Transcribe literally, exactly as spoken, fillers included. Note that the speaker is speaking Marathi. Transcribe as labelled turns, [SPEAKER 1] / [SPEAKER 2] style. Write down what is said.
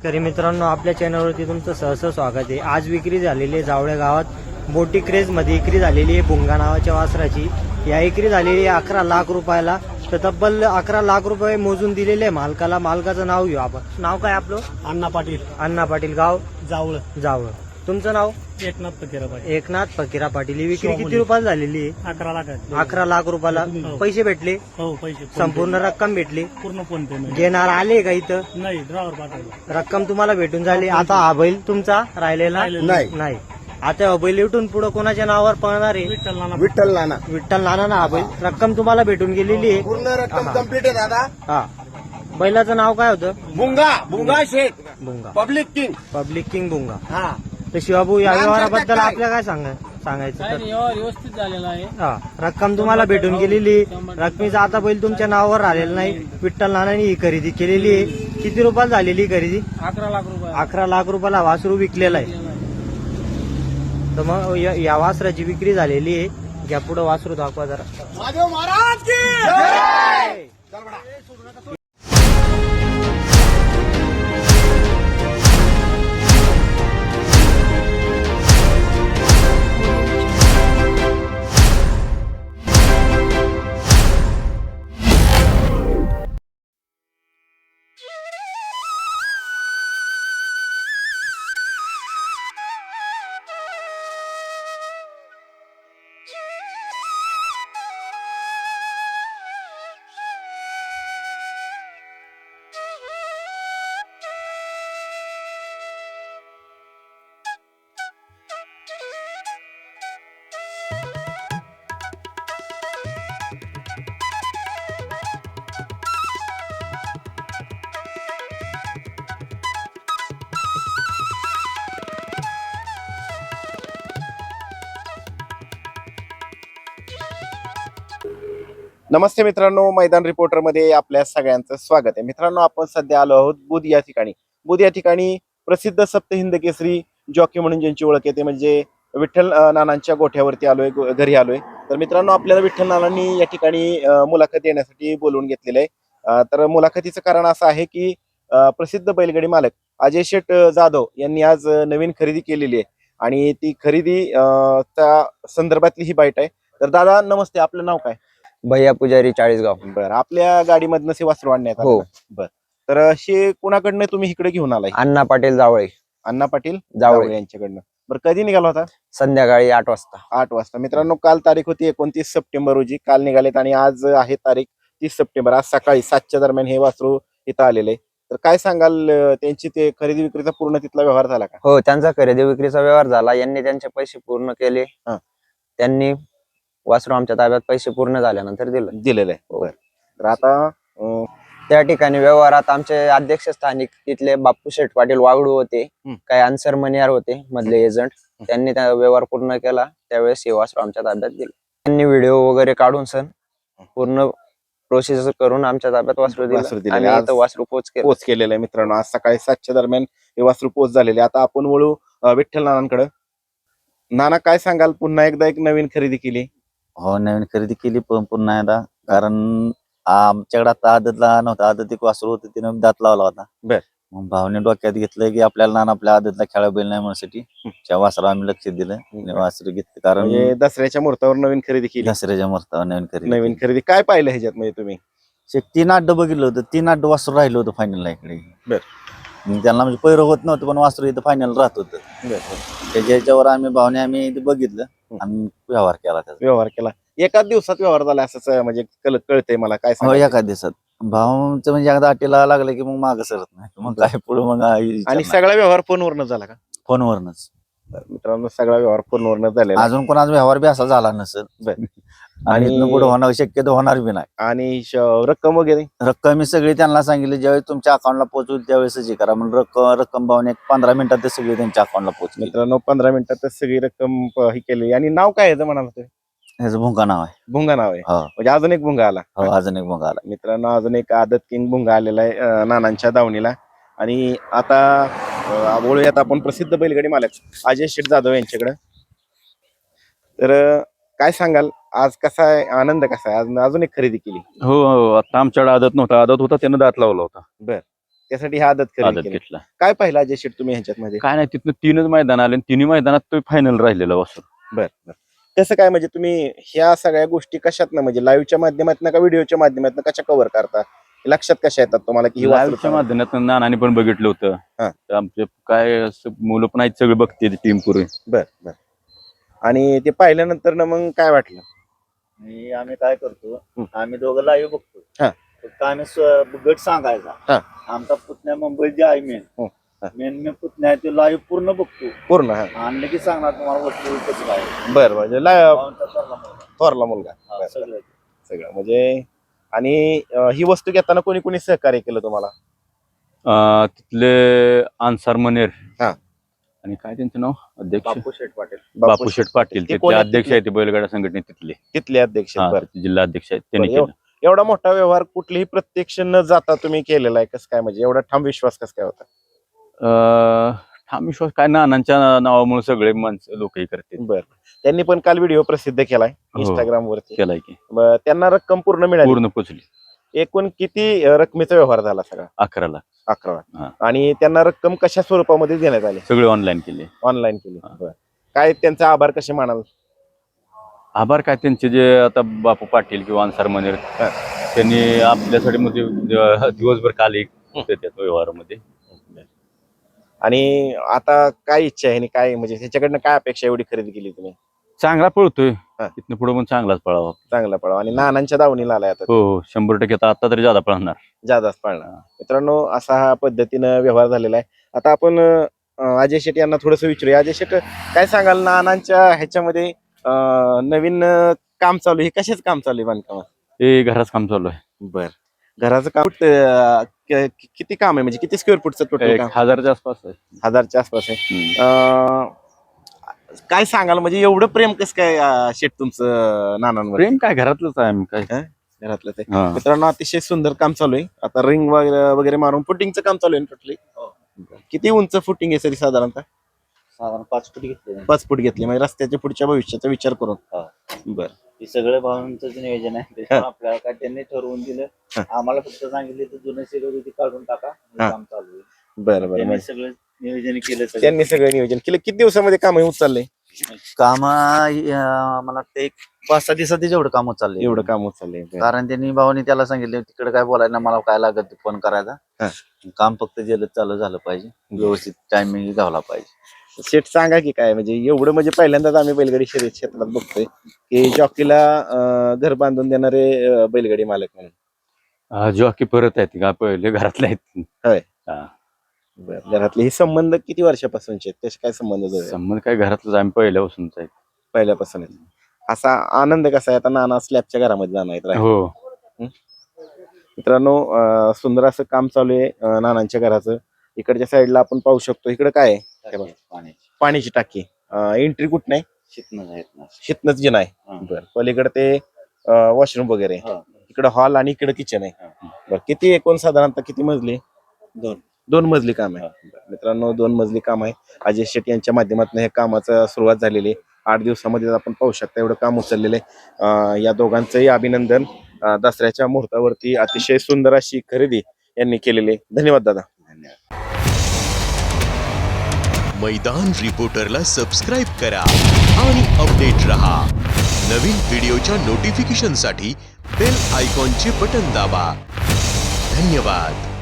[SPEAKER 1] शेतकरी मित्रांनो, आपल्या चॅनलवरती तुमचं सहर्ष स्वागत आहे। आज विक्री झालेली आहे जावळे गावात मोठी क्रेज मध्ये विक्री झालेली आहे भुंगा नावाच्या वासराची। या विक्री झालेली आहे अकरा लाख रुपयाला। तर तब्बल अकरा लाख रुपये मोजून दिलेले मालकाला। मालकाचं नाव घेऊ आपण। नाव काय आपलं?
[SPEAKER 2] अण्णा पाटील।
[SPEAKER 1] अण्णा पाटील, गाव
[SPEAKER 2] जावळ।
[SPEAKER 1] जावळ। तुमचं नाव?
[SPEAKER 2] एकनाथ फकीरा पाटील।
[SPEAKER 1] एकनाथ फकीरा पाटील। ही विक्री किती रुपयाला झालेली आहे?
[SPEAKER 2] अकरा लाख
[SPEAKER 1] अकरा लाख रुपयाला। पैसे भेटले?
[SPEAKER 2] हो, पैसे
[SPEAKER 1] संपूर्ण रक्कम भेटली?
[SPEAKER 2] पूर्ण फोन पे
[SPEAKER 1] घेणार आले का इथं?
[SPEAKER 2] नाही, ड्रायव्हर पाठवला।
[SPEAKER 1] रक्कम तुम्हाला भेटून झाली। आता हा बैल तुमचा राहिलेला
[SPEAKER 2] नाही
[SPEAKER 1] नाही। आता हा बैल इथून पुढे कोणाच्या नावावर पळणार आहे?
[SPEAKER 2] विठ्ठल नाना।
[SPEAKER 3] विठ्ठल नाना
[SPEAKER 1] विठ्ठल नाना ना हा बैल। रक्कम तुम्हाला भेटून गेलेली आहे।
[SPEAKER 3] पूर्ण रक्कम कम्प्लीट आहे दादा।
[SPEAKER 1] हा, बैलाचं नाव काय होतं?
[SPEAKER 3] Bhunga Bhunga Shaikh
[SPEAKER 1] Bhunga,
[SPEAKER 3] public king.
[SPEAKER 1] Public king Bhunga.
[SPEAKER 3] हा,
[SPEAKER 1] तर शिवाबू या
[SPEAKER 3] नाम
[SPEAKER 1] व्यवहाराबद्दल
[SPEAKER 3] सांगतात काय?
[SPEAKER 1] आपल्या काय सांगा सांगायचं
[SPEAKER 2] काय
[SPEAKER 1] तर?
[SPEAKER 2] नाही, व्यवहार व्यवस्थित झालेला आहे।
[SPEAKER 1] हा, रक्कम तुम्हाला भेटून गेलेली आहे। रकमेचा आता बैल तुमच्या नावावर राहिलेला नाही। विठ्ठल नानांनी ही खरेदी केलेली आहे। किती रुपयाला झालेली ही खरेदी?
[SPEAKER 2] अकरा लाख रुपये
[SPEAKER 1] अकरा लाख रुपयाला वासरू विकलेला आहे। तर मग या या वासराची विक्री झालेली आहे। घ्या पुढे वासरू दाखवा जरा।
[SPEAKER 3] महादेव महाराज की जय। चल बडा। नमस्ते मित्रांनो, मैदान रिपोर्टर मध्ये आपल्या सगळ्यांचं स्वागत आहे। मित्रांनो, आपण सध्या आलो आहोत बुध या ठिकाणी। बुध या ठिकाणी प्रसिद्ध सप्तहिंद केसरी जॉकी म्हणून ज्यांची ओळख येते म्हणजे विठ्ठल अं, नानांच्या गोठ्यावरती आलोय, गो- घरी आलोय। तर मित्रांनो, आपल्याला विठ्ठल नानांनी या ठिकाणी अं, मुलाखत देण्यासाठी बोलवून घेतलेलं आहे। अं, तर मुलाखतीचं कारण असं आहे की अं, प्रसिद्ध बैलगाडी मालक अजय शेठ जाधव यांनी आज अं, नवीन खरेदी केलेली आहे आणि ती खरेदी अं, त्या संदर्भातली ही बाईट आहे। तर दादा नमस्ते, आपलं नाव काय?
[SPEAKER 4] भैया पुजारी चाळीसगाव।
[SPEAKER 3] बरं, आपल्या गाडीमधनं से वासरू आणण्यात आलं
[SPEAKER 4] हो.
[SPEAKER 3] ना? बरं, तर असे कुणाकडनं तुम्ही इकडे घेऊन आलाय?
[SPEAKER 4] अण्णा पाटील जावळे
[SPEAKER 3] अण्णा पाटील
[SPEAKER 4] जावळे
[SPEAKER 3] जावळे यांच्याकडनं। बरं, कधी निघाला होता?
[SPEAKER 4] संध्याकाळी आठ वाजता।
[SPEAKER 3] आठ वाजता। मित्रांनो, काल तारीख होती एकोणतीस सप्टेंबर रोजी काल निघालेत आणि आज आहे तारीख तीस सप्टेंबर। आज सकाळी सातच्या दरम्यान हे वासरू इथं आलेले। तर काय सांगाल, अं, त्यांची ते खरेदी विक्रीचा पूर्ण तिथला व्यवहार झाला का?
[SPEAKER 4] हो, त्यांचा खरेदी विक्रीचा व्यवहार झाला। यांनी त्यांचे पैसे पूर्ण केले।
[SPEAKER 3] हा.
[SPEAKER 4] त्यांनी वासरू आमच्या ताब्यात पैसे पूर्ण झाल्यानंतर दिलं।
[SPEAKER 3] दिलेलं आहे।
[SPEAKER 4] हो.
[SPEAKER 3] बरं, तर आता अं,
[SPEAKER 4] त्या ठिकाणी व्यवहारात आमचे अध्यक्ष स्थानिक तिथले बापू शेठ पाटील वागडू होते,
[SPEAKER 3] हं.
[SPEAKER 4] काही अन्सर मनियार होते मधले एजंट। त्यांनी त्या व्यवहार पूर्ण केला, त्यावेळेस हे वासरू आमच्या ताब्यात दिलं। त्यांनी व्हिडिओ वगैरे काढून सण पूर्ण प्रोसेस करून आमच्या ताब्यात वासरू
[SPEAKER 3] वासरू
[SPEAKER 4] दिलं
[SPEAKER 3] दिलेलं
[SPEAKER 4] आणि
[SPEAKER 3] आहे।
[SPEAKER 4] इथं वासरू पोच केलं।
[SPEAKER 3] पोच केलेलं आहे। मित्रांनो, आज सकाळी सातच्या दरम्यान हे वासरू पोच झालेले। आता आपण वळू अं, विठ्ठल नानांकडे। नाना, काय सांगाल, पुन्हा एकदा एक नवीन खरेदी केली?
[SPEAKER 5] हो, नवीन खरेदी केली पण पुन्हा एकदा, कारण आमच्याकडे आता आदतला नव्हता, आदत एक वासरू होतं तिने दात लावला होता।
[SPEAKER 3] बर.
[SPEAKER 5] मग भावने डोक्यात घेतलं की आपल्याला नाना आपल्या आदतला खेळा बैल नाही म्हणण्यासाठी त्या वासरा आम्ही लक्ष दिलं आणि वासरू घेतलं, कारण
[SPEAKER 3] म्हणजे दसऱ्याच्या मुहूर्तावर नवीन खरेदी केली?
[SPEAKER 5] दसऱ्याच्या मुहूर्तावर नवीन खरेदी
[SPEAKER 3] नवीन
[SPEAKER 5] केली.
[SPEAKER 3] खरेदी काय पाहिलं ह्याच्यात म्हणजे तुम्ही?
[SPEAKER 5] शे- तीन आठ बघितलं होतं, तीन आठ वासरू राहिलं होतं फायनलला इकडे।
[SPEAKER 3] बर.
[SPEAKER 5] मग त्यांना म्हणजे पैर होत नव्हतं पण वासरू इथं फायनल राहत होतं। त्याच्या ह्याच्यावर आम्ही भावने आम्ही इथे बघितलं आणि व्यवहार केला त्याचा।
[SPEAKER 3] व्यवहार केला एकाच दिवसात व्यवहार झाला असं म्हणजे कळ- कळतंय मला। काय
[SPEAKER 5] हो,
[SPEAKER 3] सांगाल?
[SPEAKER 5] एका दिवसात भावचं म्हणजे एकदा अटीला लागलं की मग मागं सरत नाही, मग काय पुढे मग
[SPEAKER 3] आणि सगळा व्यवहार फोनवरनं झाला का?
[SPEAKER 5] फोनवरनच।
[SPEAKER 3] तर मित्रांनो, सगळा व्यवहार फोनवरनं झालेला
[SPEAKER 5] अजून कोणाचा व्यवहार बी असा झाला नसेल
[SPEAKER 3] बर.
[SPEAKER 5] आणि
[SPEAKER 3] आणि-
[SPEAKER 5] इथनं पुढे होणार शक्यतो होणार बी नाही।
[SPEAKER 3] आणि श- रक्कम वगैरे
[SPEAKER 5] रक्कम मी सगळी त्यांना सांगितली, ज्यावेळी तुमच्या अकाउंटला पोहोचवली त्यावेळेसच हे करा म्हणून रक्कम रक्कम भावने एक पंधरा मिनिटात ते सगळी त्यांच्या अकाउंटला पोहोचली।
[SPEAKER 3] मित्रांनो, पंधरा मिनिटातच सगळी रक्कम प- ही केली। आणि नाव काय आहे म्हणाल? ते
[SPEAKER 5] ह्याचं भुंगा नाव आहे।
[SPEAKER 3] भुंगा नाव आहे।
[SPEAKER 5] हो
[SPEAKER 3] म्हणजे अजून एक भुंगा आला?
[SPEAKER 5] हो, अजून एक भुंगा आला।
[SPEAKER 3] मित्रांनो, अजून एक आदत किंग भुंगा आलेला आहे अं, नानांच्या दावणीला। आणि आता अं, बोलूयात आपण प्रसिद्ध बैलगाडी मालक अजय शेठ जाधव यांच्याकडे। तर अं, काय सांगाल, आज कसा आहे आनंद, कसा आहे आज अजून एक खरेदी केली?
[SPEAKER 6] हो हो, आता आमच्याकडे आदत नव्हता, आदत होता त्यानं दात लावला होता।
[SPEAKER 3] बर. त्यासाठी हा आदत खरेदी
[SPEAKER 6] आदत
[SPEAKER 3] केली.
[SPEAKER 6] घेतला.
[SPEAKER 3] काय पाहिलं अजय शेट तुम्ही ह्याच्यामध्ये?
[SPEAKER 6] काय नाही, तिथनं तीनच मैदान आले आणि तिन्ही मैदानात तो फायनल राहिलेला वासर.
[SPEAKER 3] बर बर कसं काय म्हणजे तुम्ही ह्या सगळ्या गोष्टी कशात ना म्हणजे लाईव्हच्या माध्यमातून का व्हिडिओच्या माध्यमातून कशा कव्हर करता, लक्षात कशा येतात तुम्हाला की ही वासरं
[SPEAKER 6] लाईव्हच्या
[SPEAKER 3] चांगली?
[SPEAKER 6] माध्यमातून नानाने पण बघितलं
[SPEAKER 3] हा.
[SPEAKER 6] होतं. तर आमचे काय असं मुलं पण आहेत, सगळे बघते टीम पुरे.
[SPEAKER 3] बर बर आणि ते पाहिल्यानंतर ना मग काय वाटलं?
[SPEAKER 5] आणि आम्ही काय करतो,
[SPEAKER 3] हं.
[SPEAKER 5] आम्ही दोघं लाईव्ह बघतो.
[SPEAKER 3] हा.
[SPEAKER 5] फक्त आम्ही स्व- गट सांगायचा.
[SPEAKER 3] हा.
[SPEAKER 5] आमचा पुतण्या मुंबईत जे आहे मेन
[SPEAKER 3] हं. हा.
[SPEAKER 5] मेन मेन पुतण्या आहे तो लाईव्ह पूर्ण बघतो.
[SPEAKER 3] पूर्ण हा
[SPEAKER 5] आणलं की सांगणार तुम्हाला वस्तू कसं काय.
[SPEAKER 3] बर म्हणजे ला-
[SPEAKER 5] भावांचा ठरला मुलगा.
[SPEAKER 3] थोरला मुलगा
[SPEAKER 5] हा,
[SPEAKER 3] बर.
[SPEAKER 5] सगळं.
[SPEAKER 3] सगळं म्हणजे आणि अं, ही वस्तू घेताना कोणी कोणी सहकार्य केलं तुम्हाला?
[SPEAKER 6] अं, तिथले अन्सार मनेर
[SPEAKER 3] हा.
[SPEAKER 6] आणि काय त्यांचं नाव अध्यक्ष
[SPEAKER 5] बापू शेठ पाटील.
[SPEAKER 6] बापू शेठ पाटील,
[SPEAKER 3] ते
[SPEAKER 6] तिथले
[SPEAKER 3] कोण आहेत
[SPEAKER 6] अध्यक्ष
[SPEAKER 3] तिथले?
[SPEAKER 6] आहेत, ते बैलगाडा संघटने तिथले.
[SPEAKER 3] तिथले अध्यक्ष
[SPEAKER 6] हा,
[SPEAKER 3] बर
[SPEAKER 6] तिथले जिल्हा अध्यक्ष आहेत, त्यांनी
[SPEAKER 3] बरं,
[SPEAKER 6] केलं.
[SPEAKER 3] एवढा मोठा व्यवहार कुठलीही प्रत्यक्ष न जाता तुम्ही केलेला आहे, कसं काय म्हणजे एवढा ठाम विश्वास कसं काय होता?
[SPEAKER 6] अं, ठाम विश्वास काय, नानांच्या नावामुळे सगळे माणसं लोकही करते.
[SPEAKER 3] बर त्यांनी पण काल व्हिडिओ प्रसिद्ध केलाय
[SPEAKER 6] हो.
[SPEAKER 3] इंस्टाग्राम वरती.
[SPEAKER 6] केलाय की
[SPEAKER 3] ब- त्यांना रक्कम पूर्ण मिळाली.
[SPEAKER 6] पूर्ण पोचली
[SPEAKER 3] एकूण किती अं, रकमेचा व्यवहार झाला सगळा?
[SPEAKER 6] अकरा लाख.
[SPEAKER 3] अकरा
[SPEAKER 6] हा.
[SPEAKER 3] लाख. आणि त्यांना रक्कम कशा स्वरूपामध्ये देण्यात आली?
[SPEAKER 6] सगळे ऑनलाईन केले.
[SPEAKER 3] ऑनलाईन केली.
[SPEAKER 6] हा.
[SPEAKER 3] बरं. काय त्यांचा आभार कसे मानाल?
[SPEAKER 6] आभार काय त्यांचे, जे आता बापू पाटील किंवा अन्सार मनेर
[SPEAKER 3] हा.
[SPEAKER 6] त्यांनी आपल्यासाठी मध्ये अं, दिवसभर काल एक होते त्या व्यवहारामध्ये.
[SPEAKER 3] आणि आता काय इच्छा आहे आणि काय म्हणजे ह्याच्याकडनं काय अपेक्षा एवढी खरेदी केली तुम्ही?
[SPEAKER 6] चांगला पळतोय,
[SPEAKER 3] हा.
[SPEAKER 6] इथनं पुढे पण चांगलाच पळावा.
[SPEAKER 3] चांगला पळावा आणि नानांच्या दावणीला आलाय आता
[SPEAKER 6] हो हो, शंभर टक्के. आता आता तरी ज्यादा पळणार.
[SPEAKER 3] जादाच पळणार. मित्रांनो असा हा पद्धतीनं व्यवहार झालेला आहे. आता आपण अं, अजय शेट यांना थोडस विचारूया. अजय शेट काय सांगाल, नानांच्या ह्याच्यामध्ये अं, नवीन अं, काम चालू आहे, हे कशाच काम चालू आहे बांधकामात?
[SPEAKER 6] हे घराच काम चालू आहे.
[SPEAKER 3] बर घराचं काम अं, क- कि- किती काम आहे म्हणजे किती स्क्वेअर फूटचं टोटल
[SPEAKER 6] एक
[SPEAKER 3] काम?
[SPEAKER 6] हजारच्या आसपास आहे.
[SPEAKER 3] हजारच्या आसपास आहे.
[SPEAKER 6] हम्म.
[SPEAKER 3] अं, काय सांगाल म्हणजे एवढं प्रेम कसं काय अं, शेट तुमचं नानांवर?
[SPEAKER 6] प्रेम काय, घरातलंच आहे आम्ही काय.
[SPEAKER 3] घरातलं ते
[SPEAKER 6] हा.
[SPEAKER 3] मित्रांनो अतिशय सुंदर काम चालू आहे. आता रिंग वगैरे वगैरे मारून फुटिंगचं काम चालू आहे टोटली. किती उंच फुटिंग आहे सरी साधारणतः?
[SPEAKER 5] साधारण पाच फुटी घेतले.
[SPEAKER 3] पाच फूट घेतली म्हणजे रस्त्याच्या पुढच्या भविष्याचा विचार करून.
[SPEAKER 5] हा.
[SPEAKER 3] बर
[SPEAKER 5] हे सगळं भावांचं नियोजन आहे. त्याच्यामुळे आपल्याला काय त्यांनी ठरवून दिलं.
[SPEAKER 3] हा.
[SPEAKER 5] आम्हाला फक्त सांगितले तर जुनं शिरोड ती काढून टाका, हे
[SPEAKER 3] हा.
[SPEAKER 5] काम चालू आहे.
[SPEAKER 3] बरं बरं
[SPEAKER 5] त्यांनी
[SPEAKER 3] म्हणजे
[SPEAKER 5] सगळं नियोजन केलं. सगळं.
[SPEAKER 3] त्यांनी सगळं नियोजन केलं. किती दिवसामध्ये काम होत चाललंय?
[SPEAKER 5] काम मला वाटतं एक पाच सहा दिवसात जेवढं काम होत चाललंय.
[SPEAKER 3] एवढं काम होत चाललंय. बरं.
[SPEAKER 5] कारण त्यांनी भावानी त्याला सांगितले तिकडे काय बोलायला मला काय लागत फोन करायचा.
[SPEAKER 3] हा.
[SPEAKER 5] काम फक्त जलद चालू झालं पाहिजे, व्यवस्थित टायमिंग घावला पाहिजे.
[SPEAKER 3] शेट सांगा की काय म्हणजे एवढं म्हणजे पहिल्यांदाच आम्ही बैलगाडी शर्यत क्षेत्रात बघतोय की जॉकीला अं, घर बांधून देणारे अं, बैलगाडी मालक म्हणून.
[SPEAKER 6] हा, जॉकी परत आहेत का, पहिले घरातले आहेत.
[SPEAKER 3] होय.
[SPEAKER 6] हा.
[SPEAKER 3] बरं. घरातले हे संबंध किती वर्षापासूनचे आहेत? कसे काय संबंध जोडले?
[SPEAKER 6] संबंध काय, घरातलंच आम्ही पहिल्यापासूनच आहेत.
[SPEAKER 3] पहिल्यापासून आहेत. असा आनंद कसा आहे आता नाना स्लॅबच्या घरामध्ये जाणार आहेत राहायला?
[SPEAKER 6] हो.
[SPEAKER 3] मित्रांनो अं, सुंदर असं काम चालू आहे अं, नानांच्या घराचं. इकडच्या साईडला आपण पाहू शकतो, इकडे काय आहे? हे बघा.
[SPEAKER 5] पाण्याची
[SPEAKER 3] पाण्याची टाकी. एंट्री कुठ नाही,
[SPEAKER 5] शिकणं आहेत ना.
[SPEAKER 3] शितनच जे नाही.
[SPEAKER 5] हा.
[SPEAKER 3] बरं. पलीकडे ते वॉशरूम वगैरे,
[SPEAKER 5] हा.
[SPEAKER 3] इकडे हॉल आणि इकडे किचन आहे.
[SPEAKER 5] हा.
[SPEAKER 3] बरं किती एकूण साधारणतः किती मजली?
[SPEAKER 5] दोन
[SPEAKER 3] दोन मजली काम आहे. बरं. मित्रांनो दोन मजली काम आहे. अजय शेट्टी यांच्या माध्यमातून हे कामाचं सुरुवात झालेली आहे. आठ दिवसामध्ये आपण पाहू शकता एवढं काम उचललेलं आहे. अं, या दोघांचंही अभिनंदन. अं, दसऱ्याच्या मुहूर्तावरती अतिशय सुंदर अशी खरेदी यांनी केलेली आहे. धन्यवाद दादा.
[SPEAKER 7] मैदान रिपोर्टरला सबस्क्राइब करा आणि अपडेट रहा. नवीन व्हिडिओच्या नोटिफिकेशनसाठी बेल आयकॉनचे बटन दाबा. धन्यवाद.